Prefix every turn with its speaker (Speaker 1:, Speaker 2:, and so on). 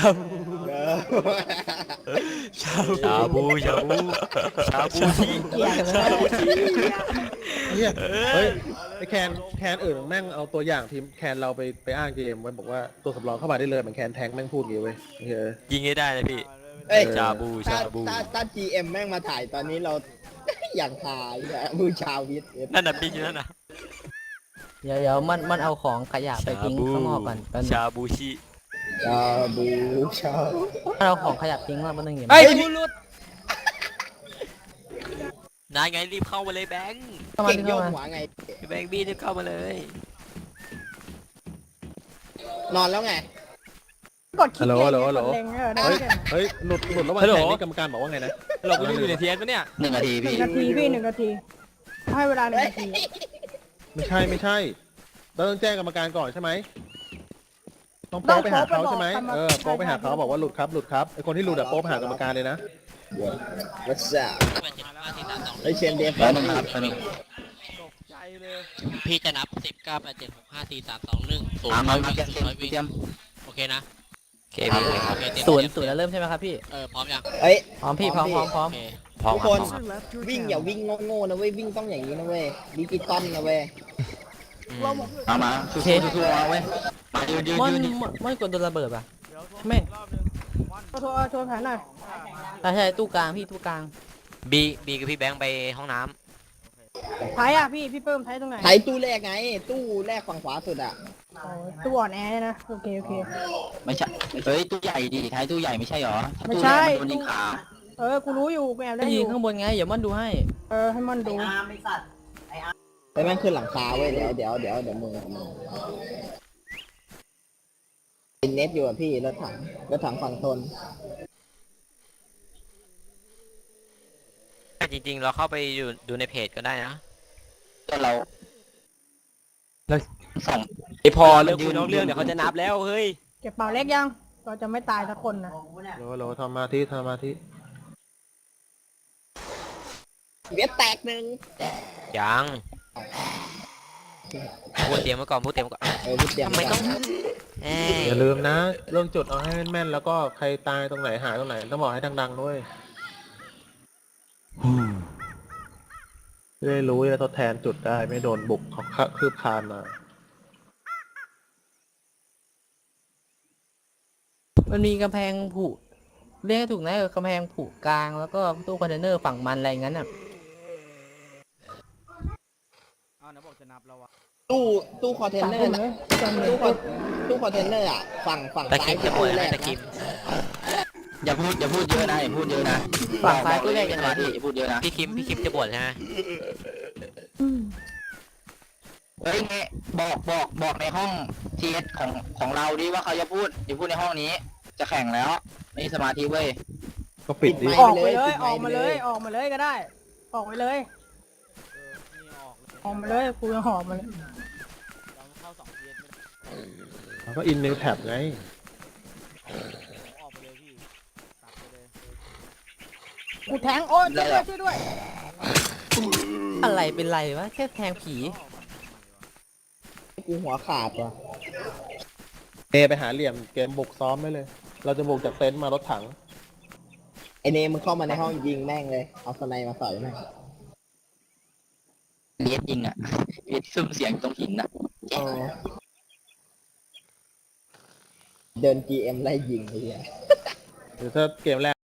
Speaker 1: บู
Speaker 2: เออ
Speaker 1: ชาบู
Speaker 3: ชาบูชาบูชาบูชี
Speaker 4: เกลียดเลย
Speaker 3: ชาบูชี
Speaker 5: เฮียเฮ้ยไอแคนอื่นแม่งเอาตัวอย่างทีมแคนเราไปอ้างเกมไว้บอกว่าตัวสำรองเข้ามาได้เลยเหมือนแคนแทงแม่งพูดอย่างงี้เว้ยเฮ้ย
Speaker 3: ยิงให้ได้นะพี่
Speaker 2: เอ้ย
Speaker 3: ชาบู
Speaker 2: ถ้า
Speaker 3: ชาบู
Speaker 2: ถ้า GM แม่งมาถ่ายตอนนี้เรา อย่างหายอะมือชาววิทย์
Speaker 3: นั่นน่ะพี่นั่นน่ะ
Speaker 4: เดี๋ยวมันเอาของขยะไปทิ้งข้างนอกก่อนแป๊บนึง
Speaker 3: ชาบูชี
Speaker 2: ชาบูชา
Speaker 4: มันเอาของขยะทิ้งมาแป๊บนึงเดี๋ยว
Speaker 1: ไอ้ผู้รุด
Speaker 3: นายไงรีบเข้ามาเลยแบงค์
Speaker 4: เข้ามา
Speaker 2: เก่ง
Speaker 4: ที่
Speaker 2: โย
Speaker 4: เข้าก มา
Speaker 2: หัวไง
Speaker 3: แบงค์บี้รีบเข้ามาเลย
Speaker 2: นอนแล้วไง
Speaker 6: กดคลิ
Speaker 5: ฮั
Speaker 6: ก
Speaker 5: ลโหลฮัลโหลฮัลโหล
Speaker 6: เล็งได้
Speaker 5: เฮ้ย
Speaker 6: ไหม
Speaker 5: เฮ้ยหลุดระหว่างแข่งนี่กรรมการบอกว่าไงนะ
Speaker 1: เรากูยังอยู่ในเทียนปะเนี่ย
Speaker 7: 1 นาที
Speaker 6: หนึ่
Speaker 7: พี่
Speaker 6: งนาทีพี่1 นาทีให้เวลา1 นาที
Speaker 5: ไม่ใช่เราต้องแจ้งกรรมการก่อนใช่ไหมต้องโป๊ไปหาเขาใช่ไหมโป๊ไปหาเขาบอกว่าหลุดครับไอคนที่หลุดอะโป๊ไปหากรรมการเลยนะ
Speaker 2: What's up ไอเชนเดฟ
Speaker 7: แล้วนึงครับแล้วนึง
Speaker 1: ใจเลย
Speaker 8: พี่จะนับ 10 9 8 7 6 5 4 3 2 1 0
Speaker 7: มา
Speaker 8: วิ่ง
Speaker 7: เตรียม
Speaker 8: 0วิ่ง
Speaker 7: เตรียม
Speaker 8: โอเคนะ
Speaker 3: โอเคพี่
Speaker 8: โอเคเตรียม
Speaker 4: ศูน
Speaker 8: เตรี
Speaker 4: ย์
Speaker 8: ยม
Speaker 4: ศูนย์แล้วเริ่มใช่ไหมครับพี่
Speaker 8: พร้อมยัง
Speaker 2: เอ้ย
Speaker 4: พร้อมพี่พร้อม
Speaker 8: โอเค
Speaker 3: พร้อม
Speaker 2: ทุก
Speaker 3: ค
Speaker 2: ครับ น
Speaker 3: พร้อมครับ
Speaker 2: วิ่งอย่าวิ่งโง่ๆนะเว้ยวิ่งต้องอย่างนี้นะเว้ยดิจิตอลนะเว้ย
Speaker 7: มาสู้ๆเอาไว้มายืน
Speaker 4: มันกดโดนระเบิดป่ะไม่
Speaker 6: โทรแผนหน่อย
Speaker 4: ใช่ตู้กลางพี่ตู้กลาง
Speaker 3: บีกับพี่แบงค์ไปห้องน้
Speaker 6: ไทยอ่ะพี่เพิ่มไทยตรงไหน
Speaker 2: ไถตู้แรกไง ตู้แรกฝั่งขวาสุดอะ
Speaker 6: โอ้ยตัวอ่อนแอเนี่ยนะโอเค
Speaker 7: ไม่ใช่เฮ้ยตู้ใหญ่ดิท้ายตู้ใหญ่ไม่ใช่หรอ
Speaker 6: ไม่ใช่
Speaker 7: โดนยิงขา
Speaker 6: กูรู้อยู่กูแอบได้อ
Speaker 4: ยิง
Speaker 6: ยู่
Speaker 4: ข้างบนไงเดี๋ยวมันดูให้
Speaker 6: ให้มันดู
Speaker 2: ไปแม่งขึ้นหลังคาเว้ยเดี๋ยวมึงเป็นเน็ตอยู่อะพี่รถถังฝั่งทน
Speaker 3: ำจริงๆ เราเข้าไปดูในเพจก็ได้นะ
Speaker 7: ก็เราสอง
Speaker 1: ไอพอเรื่องคุยนอกเรื่องเดี๋ยวเขาจะนับแล้วเฮ้ย
Speaker 6: เก็บเป่าเล็กยังเราจะไม่ตายสักคนนะ
Speaker 5: โหลทำมาธิ
Speaker 2: เวียดแตกหนึ่ง
Speaker 3: ยังพูดเตรียมไว้ก่อนพูดเตรียมไว้ก่อน
Speaker 2: พูดเตรียม
Speaker 3: ทำไมต้องเอ้ย
Speaker 5: อย่าลืมนะเรื่องจุดเอาให้แม่นๆแล้วก็ใครตายตรงไหนหายตรงไหนต้องบอกให้ดังๆด้วยจะได้รู้จะทดแทนจุดได้ไม่โดนบุกเขาคืบคานมา
Speaker 4: มันมีกำแพงผุเรียกให้ถูกนะกำแพงผุกลางแล้วก็ตู้คอนเทนเนอร์ฝั่งมันอะไรอย่างนั้นอ่ะ
Speaker 1: เอานะบอกจะนับแล้ววะ
Speaker 2: ตู้คอนเทน
Speaker 6: สั่ง
Speaker 2: เนอ
Speaker 6: ค
Speaker 2: ร์
Speaker 6: น
Speaker 2: นะ
Speaker 6: เลยสั่งเลย
Speaker 2: ตู้คอนเทนเนอร์อะฝั่ง
Speaker 3: ตะ
Speaker 2: ซ้า
Speaker 3: คิ
Speaker 2: ย
Speaker 3: ม
Speaker 2: คือ
Speaker 3: จะบ่
Speaker 2: ตู้
Speaker 3: น
Speaker 2: แร
Speaker 3: ให้
Speaker 2: ก
Speaker 3: ตะคิม
Speaker 7: อย่าพูดเยอะนะอย่าพูดเยอะนะ
Speaker 4: ฝั่งซ้ายตู้แรกยังไง
Speaker 7: ดิ
Speaker 4: พี่
Speaker 7: อย่าพูดเยอะนะ
Speaker 3: พี่คิมจะบ่นใช่ไหม
Speaker 7: เฮ้ยเงี้ยบอกในห้องทีเอสของเราดิว่าเขาจะพูดอย่าพูดในห้องนี้ จะแข่งแล้วไม่มีสมาธิเว้ย
Speaker 5: ก็ปิดดิ
Speaker 6: ออกไปเลยออกมาเลยก็ได้ ออกไปเลย
Speaker 1: นี่ออกเลย
Speaker 6: ออกมาเลยกูยังหอบมาเลย
Speaker 1: เราเข้า2เทียนไม่ได้
Speaker 5: แล้วก็อินนิวแท็บไง
Speaker 1: ออกไปเลยพี่ตัดไปเลย
Speaker 6: กูแทงโอ้ยช่วยด้วย
Speaker 4: อะไรเป็นไรวะแค่แทงผี
Speaker 2: กูหัวขาดว่ะ
Speaker 5: ไปหาเหลี่ยมเกมบุกซ้อมได้เลย เราจะบุกจากเต็นท์มารถถัง
Speaker 2: ไอเนมมึงเข้ามาในห้องยิงแม่งเลยเอาสไนมาใส่แม่ง
Speaker 7: เลียดยิงอ่ะเลียดซุ่มเสียงตรงหินอ่ะ
Speaker 2: เดิน GM ไล่ยิงไอ้เหี้ย
Speaker 5: หรือถ้าเกมแรก